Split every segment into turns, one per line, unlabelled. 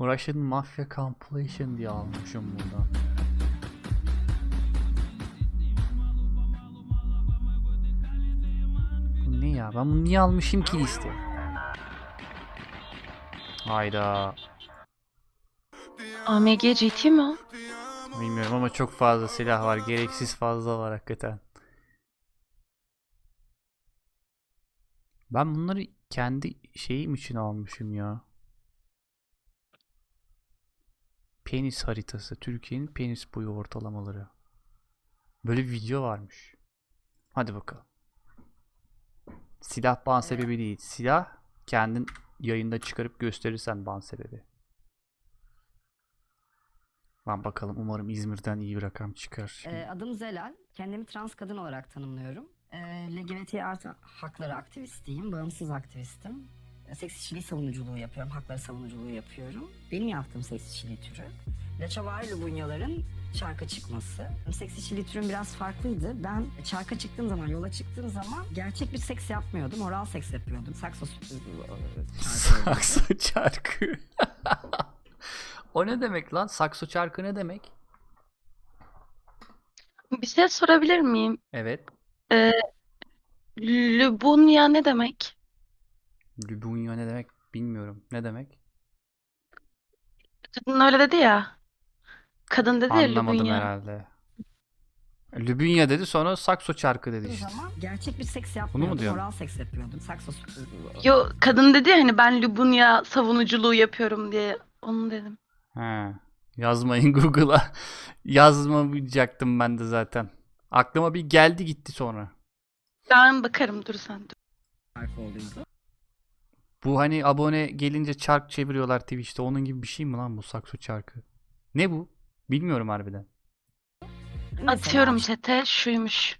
Russian Mafia Compilation diye almışım buradan. Bu ne ya? Ben bunu niye almışım ki liste? Hayda.
AMG GT mi o?
Bilmiyorum ama çok fazla silah var. Gereksiz fazla var hakikaten. Ben bunları kendi şeyim için almışım ya. Penis haritası. Türkiye'nin penis boyu ortalamaları. Böyle bir video varmış. Hadi bakalım. Silah ban sebebi değil. Silah kendin yayında çıkarıp gösterirsen ban sebebi. Lan bakalım, umarım İzmir'den iyi bir rakam çıkar.
Adım Zelal. Kendimi trans kadın olarak tanımlıyorum. LGBT artı hakları aktivistiyim. Bağımsız aktivistim. Seks işçiliği savunuculuğu yapıyorum. Hakları savunuculuğu yapıyorum. Benim yaptığım seks işçiliği türü Laçavari Lubunyaların çarka çıkması. Seks işçiliği türüm biraz farklıydı. Ben çarka çıktığım zaman, yola çıktığım zaman gerçek bir seks yapmıyordum. Oral seks yapıyordum. Sakso
Sakso çarkı. O ne demek lan? Sakso çarkı ne demek?
Bir şey sorabilir miyim?
Evet.
Lubunya ne demek?
Lubunya ne demek bilmiyorum. Ne demek?
Kadın öyle dedi ya. Kadın dedi ya
Anlamadım
Lubunya.
herhalde. Lubunya dedi, sonra sakso çarkı dedi işte.
zaman gerçek bir seks
Bunu mu
yapmıyordum.
diyorsun?
Oral seks yapıyordum. Sakso
Yo, kadın dedi ya hani ben Lubunya savunuculuğu yapıyorum diye. Onu dedim.
He. Yazmayın Google'a. Yazmayacaktım ben de zaten. Aklıma bir geldi gitti sonra.
Ben bakarım, dur sen dur.
çarkı oluyordu.
Bu hani abone gelince çark çeviriyorlar Twitch'te. Onun gibi bir şey mi lan bu sakso çarkı? Ne bu? Bilmiyorum harbiden.
Atıyorum chat'e, şuymuş.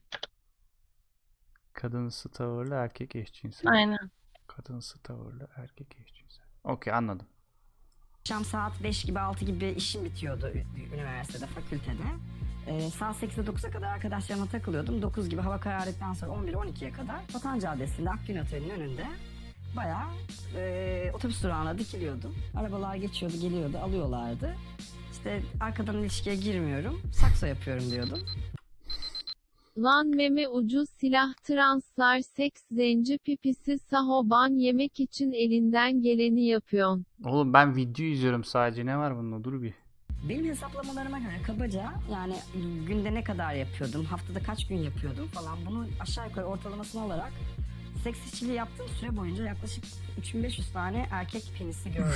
Kadınsı tavırlı erkek eşcinsel.
Aynen.
Kadınsı tavırlı erkek eşcinsel. Okey, anladım.
Akşam saat 5 gibi 6 gibi işim bitiyordu üniversitede, fakültede. Saat 8'e 9'a kadar arkadaşlarıma takılıyordum. 9 gibi hava karardıktan sonra 11-12'ye kadar Vatan Caddesi'nde Akgün Oteli'nin önünde bayağı otobüs durağına dikiliyordum. Arabalar geçiyordu, geliyordu, alıyorlardı. İşte arkadan ilişkiye girmiyorum, sakso yapıyorum diyordum.
Lan meme ucu silah translar seks zenci pipisi sahoban yemek için elinden geleni yapıyorsun.
Oğlum ben video izliyorum sadece. Ne var bunda? Dur bir.
Benim hesaplamalarıma göre kabaca yani günde ne kadar yapıyordum, haftada kaç gün yapıyordum falan bunu aşağı yukarı ortalamasını alarak seks işçiliği yaptığım süre boyunca yaklaşık 3500 tane erkek penisi gördüm.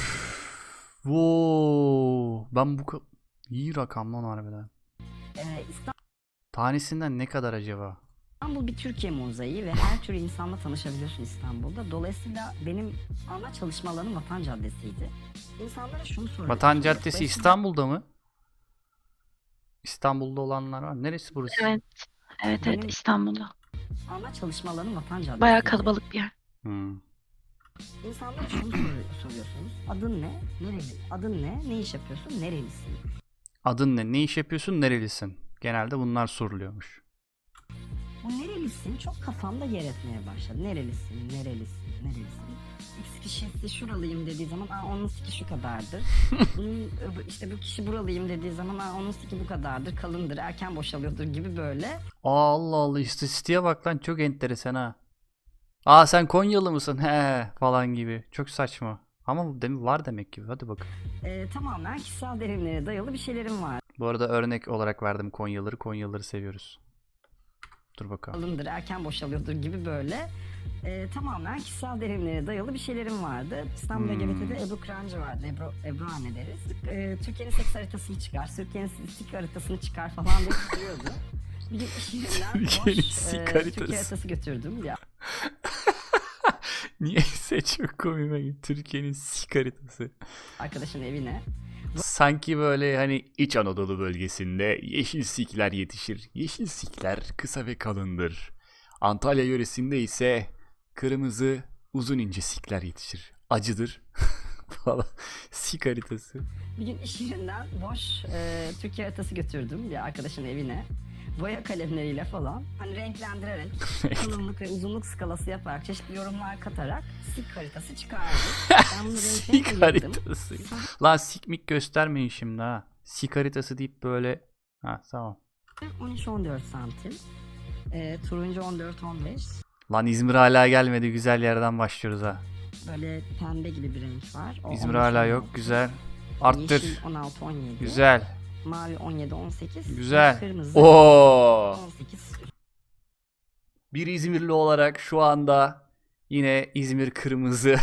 Wow. Ben bu iyi rakam lan harbiden. Tanesinden ne kadar acaba?
İstanbul bir Türkiye mozaiği ve her tür insanla tanışabiliyorsun İstanbul'da. Dolayısıyla benim ana çalışma alanım Vatan Caddesi'ydi. İnsanlara şunu soruyorum.
Vatan Caddesi İstanbul'da mı? İstanbul'da olanlar var. Neresi burası?
Evet. Evet
Benim-
İstanbul'da.
Ana çalışma alanım Vatan Caddesi'ydi.
Bayağı kalabalık bir yer.
Hmm.
İnsanlara şunu soruyorsunuz. Adın ne? Nereli? Adın ne? Ne iş yapıyorsun? Nerelisin?
Adın ne? Ne iş yapıyorsun? Nerelisin? Genelde bunlar soruluyormuş.
Bu nerelisin çok kafamda yer etmeye başladı. Nerelisin? Nerelisin? Nerelisin? X kişisi şuralıyım dediği zaman onun siki şu kadardır. işte bu kişi buralıyım dediği zaman onun siki bu kadardır. Kalındır. Erken boşalıyordur gibi böyle.
Allah Allah, istatistiğe bak lan, çok enteresan ha. Aa, sen Konyalı mısın? He falan gibi. Çok saçma. Ama bu var demek ki. Hadi bakalım.
Tamamen kişisel deneyimlere dayalı bir şeylerim var.
Bu arada örnek olarak verdim Konyalıları. Konyalıları seviyoruz. Dur bakalım.
Kalındır. Erken boşalıyordur gibi böyle. Tamamen kişisel deneyimlere dayalı bir şeylerim vardı. İstanbul LGBT'de Ebru Kırancı vardı. Ebru anne deriz. Türkiye'nin seks haritasını çıkar, Türkiye'nin sik haritasını çıkar falan diye diyordu. Bir gün iş yerinden
Türkiye'nin
boş
sik
Türkiye
haritası.
haritası götürdüm. Ya
Niyeyse çok komime gitti. Türkiye'nin sik haritası.
arkadaşın evine.
Sanki böyle hani İç Anadolu bölgesinde yeşil sikler yetişir. Yeşil sikler kısa ve kalındır. Antalya yöresinde ise kırmızı uzun ince sikler yetişir. Acıdır falan. Sik haritası.
Bir gün iş yerinden boş Türkiye haritası götürdüm bir arkadaşın evine. boya kalemleriyle falan hani renklendirerek kalınlık ve uzunluk skalası yaparak çeşitli yorumlar katarak sik haritası çıkardık. Ben bunu
Sik
renklerine ayırdım.
haritası. Lan sikmik göstermeyin şimdi ha. Sik haritası deyip böyle. Ha tamam.
13-14 santim. Turuncu 14-15.
Lan İzmir hala gelmedi. Güzel yerden başlıyoruz ha.
Böyle pembe gibi bir renk var. O
İzmir
15-16.
hala yok. Güzel. Arttır.
Yeşil 16-17.
Güzel.
Mavi 17-18.
Güzel.
Kırmızı
Oo.
18.
Bir İzmirli olarak şu anda yine İzmir kırmızı.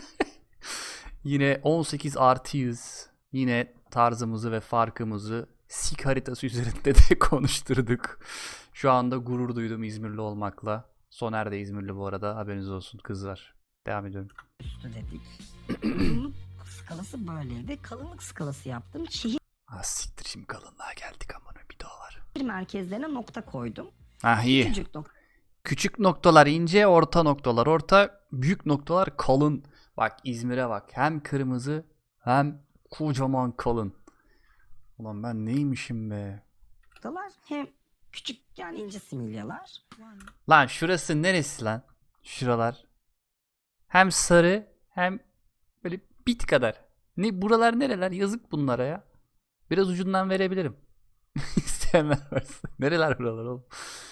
Yine 18 artıyız. Yine tarzımızı ve farkımızı sik haritası üzerinde de konuşturduk. Şu anda gurur duydum İzmirli olmakla. Soner de İzmirli bu arada. Haberiniz olsun kızlar. Devam ediyorum.
Üstü dedik. Uzunluk skalası böyleydi. Kalınlık skalası yaptım. Şehir
Siktir şimdi kalınlığa geldik aman bir daha var.
merkezlerine nokta koydum.
Ah iyi.
Küçük nokta.
Küçük noktalar ince, orta noktalar orta, büyük noktalar kalın. Bak İzmir'e bak. Hem kırmızı hem kocaman kalın. Ulan ben neymişim be.
Noktalar hem küçük yani ince similyalar.
Lan şurası neresi lan? Şuralar. Hem sarı hem böyle bit kadar. Ne buralar nereler? Yazık bunlara ya. Biraz ucundan verebilirim. İsteyenler varsa. Nereler buralar oğlum?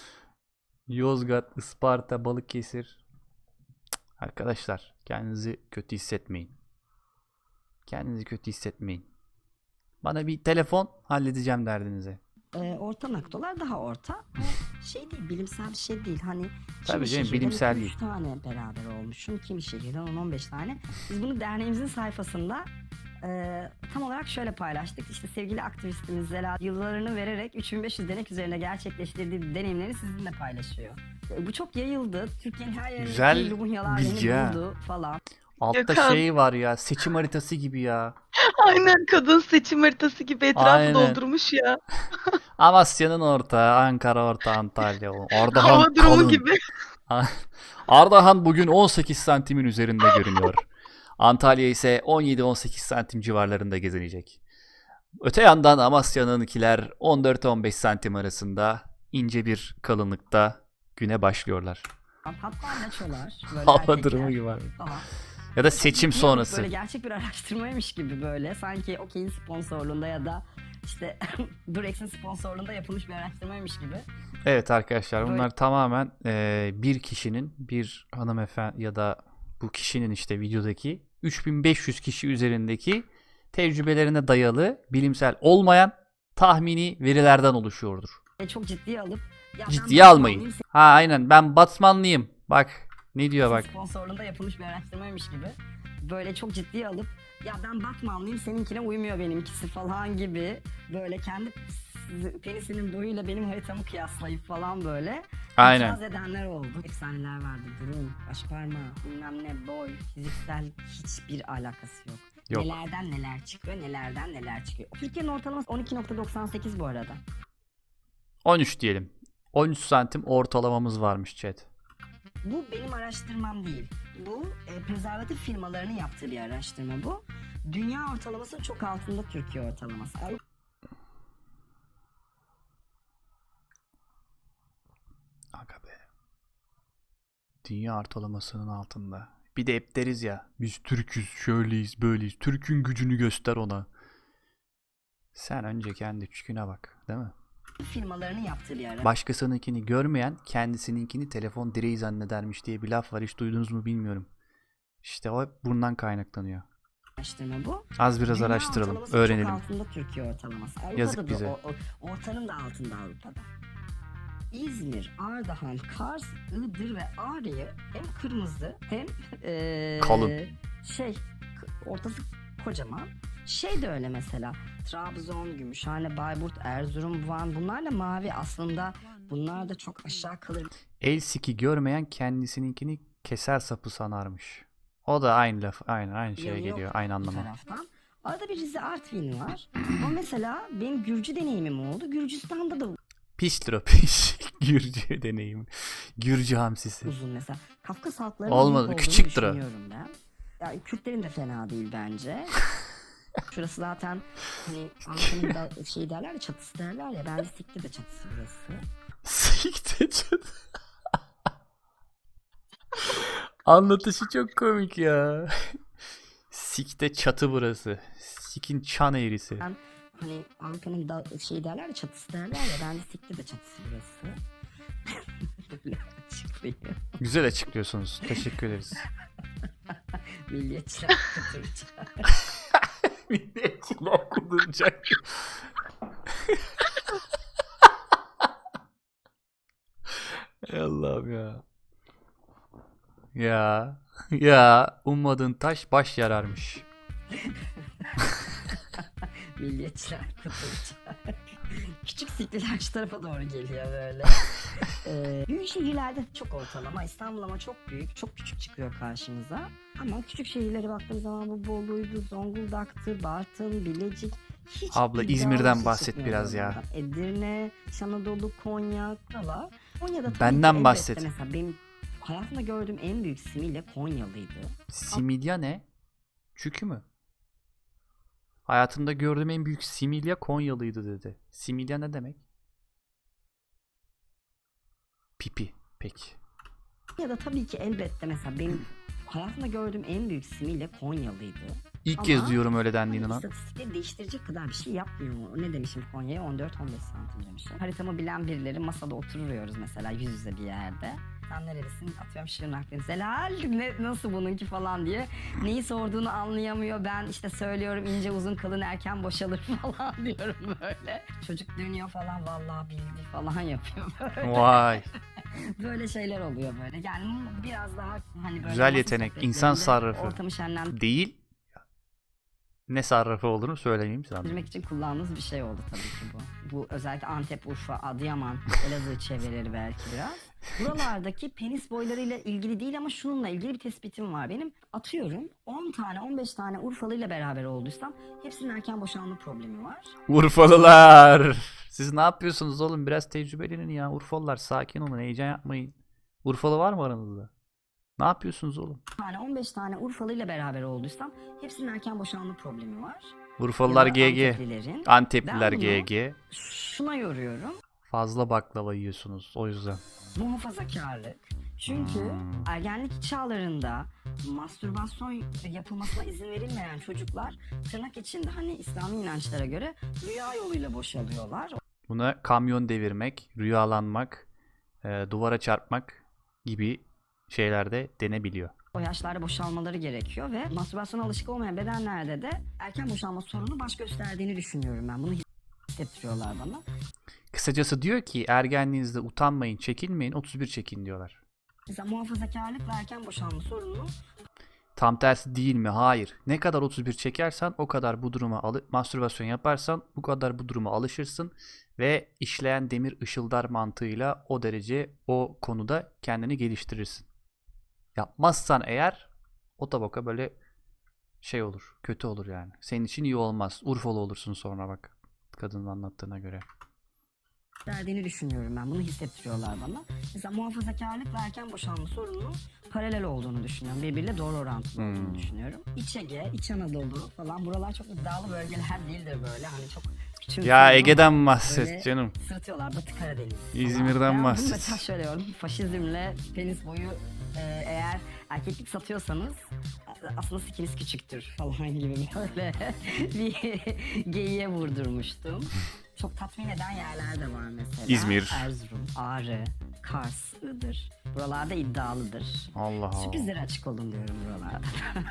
Yozgat, Isparta, Balıkesir. Cık, arkadaşlar kendinizi kötü hissetmeyin. Kendinizi kötü hissetmeyin. Bana bir telefon halledeceğim derdinizi.
Orta noktalar daha orta. Şey değil, bilimsel bir şey değil. Hani
Tabii
kimi
canım,
şehirden
bilimsel
2-3
değil.
tane beraber olmuşum. Kimi şehirden 10-15 tane. Biz bunu derneğimizin sayfasında tam olarak şöyle paylaştık. İşte sevgili aktivistimiz Zela yıllarını vererek 3500 denek üzerine gerçekleştirdiği deneyimleri sizinle paylaşıyor. Bu çok yayıldı. Türkiye'nin her yerinde
Güzel
Lumunyalar
bilgi
beni
ha.
buldu falan.
Altta
Gökhan.
şey var ya, seçim haritası gibi ya.
Aynen kadın seçim haritası gibi etrafı
Aynen.
doldurmuş ya.
Amasya'nın orta, Ankara orta, Antalya. Ardahan
Hava durumu
kalın.
gibi.
Ardahan bugün 18 santimin üzerinde görünüyor. Antalya ise 17-18 santim civarlarında gezinecek. Öte yandan Amasya'nınkiler 14-15 santim arasında ince bir kalınlıkta güne başlıyorlar.
Hatta naçolar. böyle
Hava
erkekler
durumu gibi var.
falan.
Ya da seçim
Yok,
sonrası.
Böyle gerçek bir araştırmaymış gibi böyle. Sanki Okey'in sponsorluğunda ya da işte Durex'in sponsorluğunda yapılmış bir araştırmaymış gibi.
Evet arkadaşlar
Böyle-
bunlar tamamen bir kişinin, bir hanımefendi ya da bu kişinin işte videodaki 3500 kişi üzerindeki tecrübelerine dayalı bilimsel olmayan tahmini verilerden oluşuyordur.
Çok ciddiye alıp ya ben
Ciddiye
Batmanlıyım,
almayın. Ha aynen ben Batmanlıyım. Bak ne diyor bak.
sponsorluğunda yapılmış bir araştırmaymış gibi. Böyle çok ciddiye alıp ya ben Batmanlıyım seninkine uymuyor benimkisi falan gibi. Böyle kendi penisinin boyuyla benim haritamı kıyaslayıp falan böyle.
Aynen.
İtiraz edenler oldu. Efsaneler vardı. Burun, baş parmağı, bilmem ne, boy, fiziksel hiçbir alakası yok.
Yok.
Nelerden neler çıkıyor, nelerden neler çıkıyor. Türkiye'nin ortalaması 12.98 bu arada.
13 diyelim. 13 santim ortalamamız varmış chat.
Bu benim araştırmam değil. Bu prezervatif firmalarının yaptığı bir araştırma bu. Dünya ortalamasının çok altında Türkiye ortalaması.
Aga be. Dünya ortalamasının altında. Bir de hep deriz ya. Biz Türk'üz, şöyleyiz, böyleyiz. Türk'ün gücünü göster ona. Sen önce kendi çüküne bak, değil mi?
Firmalarının yaptığı bir
Başkasınınkini görmeyen kendisininkini telefon direği zannedermiş diye bir laf var. Hiç duydunuz mu bilmiyorum. İşte o hep bundan kaynaklanıyor.
araştırma bu.
Az biraz
Dünya
araştıralım,
ortalaması
öğrenelim.
Çok altında Türkiye ortalaması. Avrupa'da
Yazık
da
bize.
Ortanın da altında Avrupa'da. İzmir, Ardahan, Kars, Iğdır ve Ağrı'yı hem kırmızı hem
Kalın.
Ortası kocaman. Şey de öyle mesela. Trabzon, Gümüşhane, Bayburt, Erzurum, Van bunlar da mavi aslında. Bunlar da çok aşağı kalır.
El siki görmeyen kendisininkini keser sapı sanarmış. O da aynı laf, aynı şeye
Yanı yok
geliyor, aynı
bu
anlama.
taraftan. Arada bir Rize Artvin var. Ama mesela benim Gürcü deneyimim oldu. Gürcistan'da da
Piştir o piş. Gürcü deneyimi. Gürcü hamsisi.
uzun mesela. Kafkas halklarının
Olmadı,
büyük olduğunu
küçüktür o.
düşünüyorum ben. Ya Kürtlerin de fena değil bence. Şurası zaten hani Ankara'nın da şey derler ya, çatısı derler ya. Ben de sikti de çatısı burası.
Sikte çatı. Anlatışı çok komik ya. Sikte çatı burası. Sikin çan eğrisi.
Ben hani Ankara'nın da şey derler ya, çatısı derler ya. Ben de sikti de çatısı burası. Böyle açıklayayım.
Güzel açıklıyorsunuz. Teşekkür ederiz.
Milliyetçiler kıtıracak.
Milliyetçiler kuduracak. Ey Allah'ım ya. Ya ummadığın taş baş yararmış.
Milliyetçiler kıtıracak. Küçük sikliler şu tarafa doğru geliyor böyle. Büyük şehirlerde çok ortalama. İstanbul ama çok büyük. Çok küçük çıkıyor karşımıza. Ama küçük şehirlere baktığımız zaman bu Bolu'ydu, Zonguldak'tı, Bartın, Bilecik. Hiç
Abla,
iddialı
İzmir'den
bir şey
bahset
çıkmıyor
biraz ya.
buralardan. Edirne, Anadolu, Konya, buralar. Konya'da tabii
Benden
ki elbette
bahset.
mesela benim hayatımda gördüğüm en büyük similya Konyalıydı.
Similya ne? Çükü mü? Hayatımda gördüğüm en büyük similya Konyalıydı dedi. Similya ne demek? Pipi. Peki.
Ya da tabii ki elbette mesela benim hayatımda gördüğüm en büyük similya Konyalıydı.
İlk
Ama
kez duyuyorum öyle dendiğini
Hani
lan.
istatistikleri değiştirecek kadar bir şey yapmıyor mu? Ne demişim Konya'ya? 14-15 santim demişim. Haritamı bilen birileri masada oturuyoruz mesela yüz yüze bir yerde. Sen nerelisin? Atıyorum Şırnaklıyım. Zelal nasıl bununki falan diye. Neyi sorduğunu anlayamıyor. Ben işte söylüyorum ince uzun kalın erken boşalır falan diyorum böyle. Çocuk dönüyor falan vallahi bildi falan yapıyor böyle.
Vay.
Böyle şeyler oluyor böyle. Yani biraz daha hani böyle
Güzel
masa
yetenek. İnsan
sohbetlerinde
sarrafı.
ortamı şenlendirmek
Değil. Ne sarrafı olduğunu söyleyeyim sana.
için kullandığımız bir şey oldu tabii ki bu. Bu özellikle Antep, Urfa, Adıyaman, Elazığ çevreleri belki biraz. Buralardaki penis boylarıyla ilgili değil ama şununla ilgili bir tespitim var. Benim atıyorum 10 tane 15 tane Urfalıyla beraber olduysam hepsinin erken boşalma problemi var.
Urfalılar. Siz ne yapıyorsunuz oğlum? Biraz tecrübelenin ya. Urfalılar sakin olun. Heyecan yapmayın. Urfalı var mı aranızda? Ne yapıyorsunuz oğlum?
15 tane Urfalıyla beraber olduysam hepsinin erken boşalma problemi var.
Urfalılar
Ya da
GG.
Anteplilerin.
Antepliler
Ben bunu
GG.
şuna yoruyorum.
Fazla baklava yiyorsunuz o yüzden.
Muhafazakarlık. Çünkü ergenlik çağlarında mastürbasyon yapılmasına izin verilmeyen çocuklar tırnak içinde hani İslami inançlara göre rüya yoluyla boşalıyorlar.
Buna kamyon devirmek, rüyalanmak, duvara çarpmak gibi şeyler de denebiliyor.
O yaşlarda boşalmaları gerekiyor ve mastürbasyona alışık olmayan bedenlerde de erken boşalma sorunu baş gösterdiğini düşünüyorum ben. Bunu hissettiriyorlar bana.
Kısacası diyor ki ergenliğinizde utanmayın, çekinmeyin, 31 çekin diyorlar.
Mesela muhafazakarlık ve erken boşalma sorunu
Tam tersi değil mi? Hayır. Ne kadar 31 çekersen o kadar bu duruma mastürbasyon yaparsan bu kadar bu duruma alışırsın ve işleyen demir ışıldar mantığıyla o derece o konuda kendini geliştirirsin. Yapmazsan eğer o tabaka böyle şey olur, kötü olur yani. Senin için iyi olmaz. Urfalı olursun sonra bak. Kadının anlattığına göre.
verdiğini düşünüyorum ben. Bunu hissettiriyorlar bana. Mesela muhafazakarlık ve erken boşalma sorunu paralel olduğunu düşünüyorum. Birbiriyle doğru orantılı olduğunu düşünüyorum. İç Ege, İç Anadolu falan buralar çok iddialı bölgeler değildir böyle. Hani çok küçük.
Ya Ege'den bahset canım.
Sırıtıyorlar Batı Karadeniz falan.
İzmir'den
Ben
bahset.
bunu mesela şöyle diyorum. Faşizmle penis boyu eğer erkeklik satıyorsanız aslında sikiniz küçüktür falan gibi böyle bir geyiğe vurdurmuştum. Çok tatmin eden yerler de var mesela.
İzmir.
Erzurum, Ağrı, Kars, Iğdır. Buralarda iddialıdır.
Allah Allah.
Sürprizlere açık olun diyorum buralarda.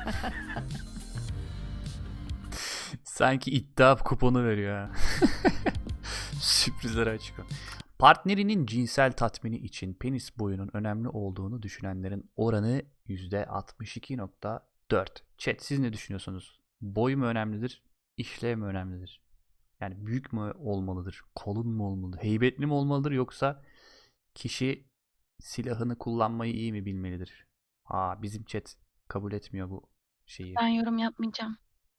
Sanki iddia kuponu veriyor ha. Sürprizlere açık ol. Partnerinin cinsel tatmini için penis boyunun önemli olduğunu düşünenlerin oranı %62.4. Chat siz ne düşünüyorsunuz? Boy mu önemlidir? İşlev mi önemlidir? Yani büyük mü olmalıdır? Kalın mı olmalıdır? Heybetli mi olmalıdır? Yoksa kişi silahını kullanmayı iyi mi bilmelidir? Bizim chat kabul etmiyor bu şeyi.
Ben yorum yapmayacağım.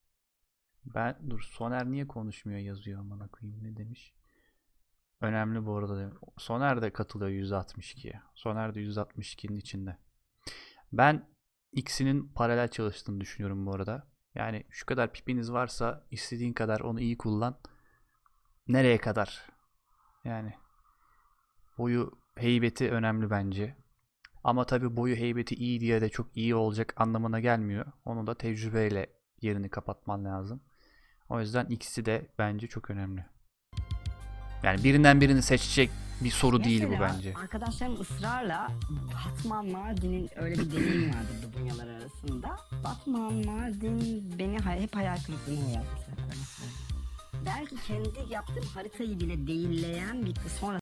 Soner niye konuşmuyor yazıyor amına koyayım ne demiş? Önemli bu arada. Soner de katılıyor %62'ye. Soner de %62'nin içinde. Ben ikisinin paralel çalıştığını düşünüyorum bu arada. Yani şu kadar pipiniz varsa istediğin kadar onu iyi kullan. Nereye kadar? Yani boyu heybeti önemli bence. Ama tabii boyu heybeti iyi diye de çok iyi olacak anlamına gelmiyor. Onu da tecrübeyle yerini kapatman lazım. O yüzden ikisi de bence çok önemli. Yani birinden birini seçecek bir soru değil bu
Mesela
bence.
arkadaşlarım ısrarla Batman Mardin'in öyle bir deyim vardı Dubunyalar arasında. Batman Mardin beni hep hayal kırıklığına uğrattı. Belki kendi yaptığım haritayı bile değilleyen bir sonra